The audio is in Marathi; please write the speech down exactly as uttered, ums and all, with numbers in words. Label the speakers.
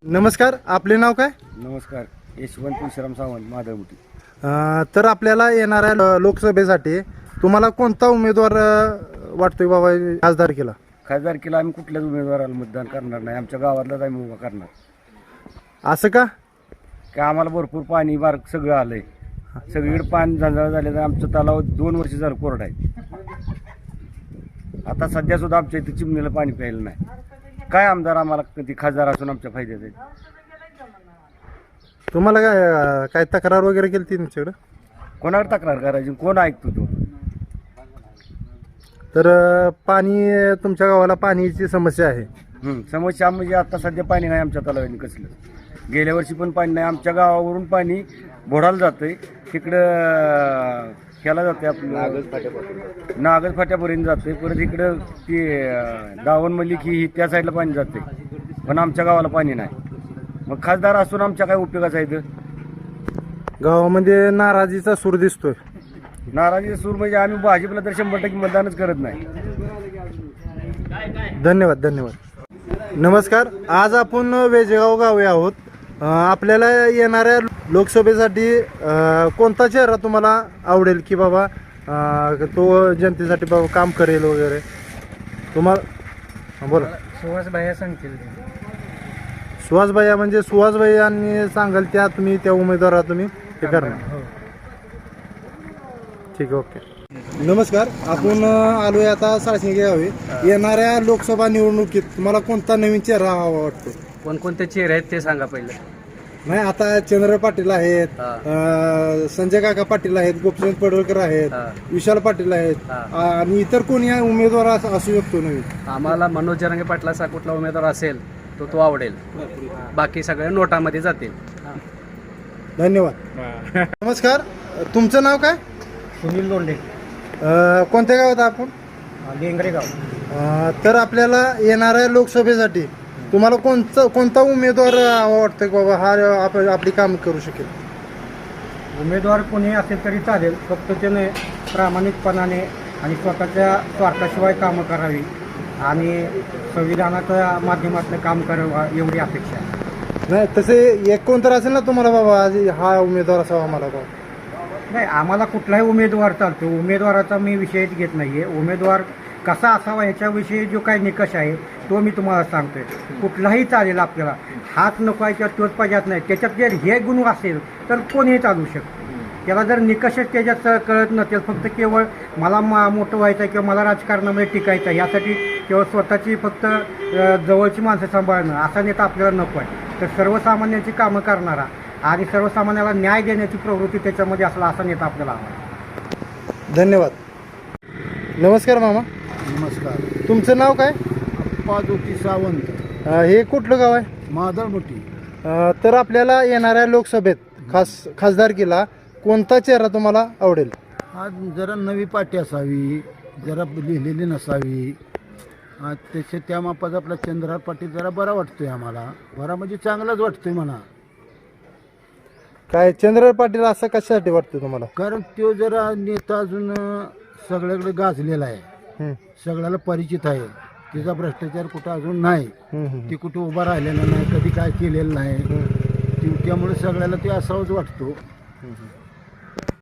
Speaker 1: नमस्कार, आपले नाव काय?
Speaker 2: नमस्कार, यशवंत विश्राम सावंत, माधवमुठी.
Speaker 1: अ, तर आपल्याला येणाऱ्या लो- लोकसभेसाठी तुम्हाला कोणता उमेदवार अ, वाटतोय बाबा खासदार केला?
Speaker 2: खासदारकीला आम्ही कुठल्याच उमेदवाराला मतदान करणार नाही. आमच्या गावातलाच आम्ही उभा करणार.
Speaker 1: असं का?
Speaker 2: की आम्हाला भरपूर पाणी बार सगळं आलंय. सगळीकडे पाणी झंझाळ झाले तर आमचं तलाव दोन वर्ष झालं कोरडा आहे. आता सध्या सुद्धा आमच्या इथे चिमणीला पाणी प्यायला नाही. काय आमदार आम्हाला कधी खासदार असून आमच्या फायद्यात आहे?
Speaker 1: तुम्हाला काय अ, काय तक्रार वगैरे केली ती तुमच्याकडे?
Speaker 2: कोणावर तक्रार करायची? कोण ऐकतो तो?
Speaker 1: तर अ, पाणी अ, तुमच्या गावाला पाण्याची समस्या आहे.
Speaker 2: हं, समस्या म्हणजे आता सध्या पाणी नाही आमच्या तलावाने कसलं. गेल्या वर्षी पण पाणी नाही. आमच्या गावावरून पाणी बोडाला जातंय. तिकडं ह्याला जाते आपलं नागज फाट्यापर्यंत जाते. परत इकडं ते दावण मलिक ही त्या साईडला पाणी जाते. पण आमच्या गावाला पाणी नाही. मग खासदार असून आमच्या काय उपयोगाचा आहे?
Speaker 1: गावामध्ये नाराजीचा सूर दिसतोय.
Speaker 2: नाराजी सूर म्हणजे आम्ही भाजपला तर शंभर टक्के मतदानच करत नाही.
Speaker 1: धन्यवाद धन्यवाद. नमस्कार, आज आपण वेजेगाव गावी आहोत. अ, आपल्याला येणाऱ्या लोकसभेसाठी अ, कोणता चेहरा तुम्हाला आवडेल की बाबा अ, तो जनतेसाठी बाबा काम करेल वगैरे तुम्हाला? हा, बोला.
Speaker 3: सुहास भाया सांगतील.
Speaker 1: सुहास भैया म्हणजे सुहास भैयांनी सांगाल त्या तुम्ही त्या उमेदवारा तुम्ही ते करणार? ठीक आहे, ओके. नमस्कार, आपण अ, आलोय आता साळशिंगे गावी. येणाऱ्या लोकसभा निवडणुकीत तुम्हाला कोणता नवीन चेहरा हवा वाटतो?
Speaker 3: कोणकोणते चेहरे आहेत ते सांगा पहिले.
Speaker 1: नाही, आता चंद्र पाटील आहेत,
Speaker 3: हा.
Speaker 1: अ, संजय काका पाटील आहेत, गोपीचंद पडवळकर आहेत,
Speaker 3: हा.
Speaker 1: विशाल पाटील आहेत,
Speaker 3: हा.
Speaker 1: आणि इतर कोणी उमेदवार अस- असू शकतो नवीन?
Speaker 3: आम्हाला मनोज जरांगे पाटलाचा कुठला उमेदवार असेल तो तो आवडेल. बाकी सगळे नोटामध्ये जातील.
Speaker 1: धन्यवाद. नमस्कार, तुमचं नाव काय?
Speaker 3: सुनील लोंढे,
Speaker 1: अ, कोणत्या गावात आपण?
Speaker 3: लेंगरे गाव.
Speaker 1: अ, तर आपल्याला येणाऱ्या लोकसभेसाठी तुम्हाला कोणता कोणता उमेदवार वाटतं की बाबा हा आप आपली काम करू शकेल?
Speaker 3: उमेदवार कोणी असेल तरी चालेल, फक्त त्याने प्रामाणिकपणाने आणि स्वतःच्या स्वार्थाशिवाय कामं करावी आणि संविधानाच्या माध्यमातून काम करावं एवढी अपेक्षा आहे.
Speaker 1: नाही, तसे एक कोणतर असेल ना तुम्हाला बाबा आज हा उमेदवार असावा आम्हाला बाबा?
Speaker 3: नाही, आम्हाला कुठलाही उमेदवार चालतो. उमेदवाराचा मी विषयच घेत नाही आहे. उमेदवार कसा असावा ह्याच्याविषयी जो काही निकष आहे तो मी तुम्हाला सांगतोय. कुठलाही चालेल आपल्याला. हाच नको आहे किंवा तोच पाहिजेत नाही. त्याच्यात जर हे गुण असेल तर कोणीही चालू शकतो. त्याला जर निकषच त्याच्यात कळत नसेल, फक्त केवळ मला मा मोठं व्हायचं आहे किंवा मला राजकारणामध्ये टिकायचं आहे यासाठी केवळ स्वतःची फक्त अ, जवळची माणसं सांभाळणं असा नेता आपल्याला नको आहे. तर सर्वसामान्यांची कामं करणारा आणि सर्वसामान्याला न्याय देण्याची प्रवृत्ती त्याच्यामध्ये असला असा नेता आपल्याला हवा आहे.
Speaker 1: धन्यवाद. नमस्कार मामा,
Speaker 2: नमस्कार.
Speaker 1: तुमचं नाव काय?
Speaker 2: पादुकी सावंत,
Speaker 1: अ, हे कुठलं गाव आहे?
Speaker 2: माधवमुठी.
Speaker 1: अ, तर आपल्याला येणाऱ्या लोकसभेत खास खासदारकीला कोणता चेहरा तुम्हाला आवडेल?
Speaker 4: आज जरा नवी पाटी असावी, जरा लिहिलेली नसावी. आज त्याच्या त्या मापाचा आपला चंद्रहार पाटील जरा बरा वाटतोय आम्हाला. बरा म्हणजे चांगलाच वाटतोय म्हणा.
Speaker 1: काय चंद्र पाटील असं कशासाठी वाटतं तुम्हाला?
Speaker 4: कारण तो जरा नेता अजून सगळ्याकडे गाजलेला आहे,
Speaker 1: हं,
Speaker 4: सगळ्याला परिचित आहे. त्याचा भ्रष्टाचार कुठं अजून नाही.
Speaker 1: हं, हं,
Speaker 4: ती कुठं उभा राहिलेला नाही, कधी काय केलेलं नाही.
Speaker 1: हं.
Speaker 4: ती- त्यामुळे सगळ्याला ते असावंच वाटतो.
Speaker 1: हं, हं.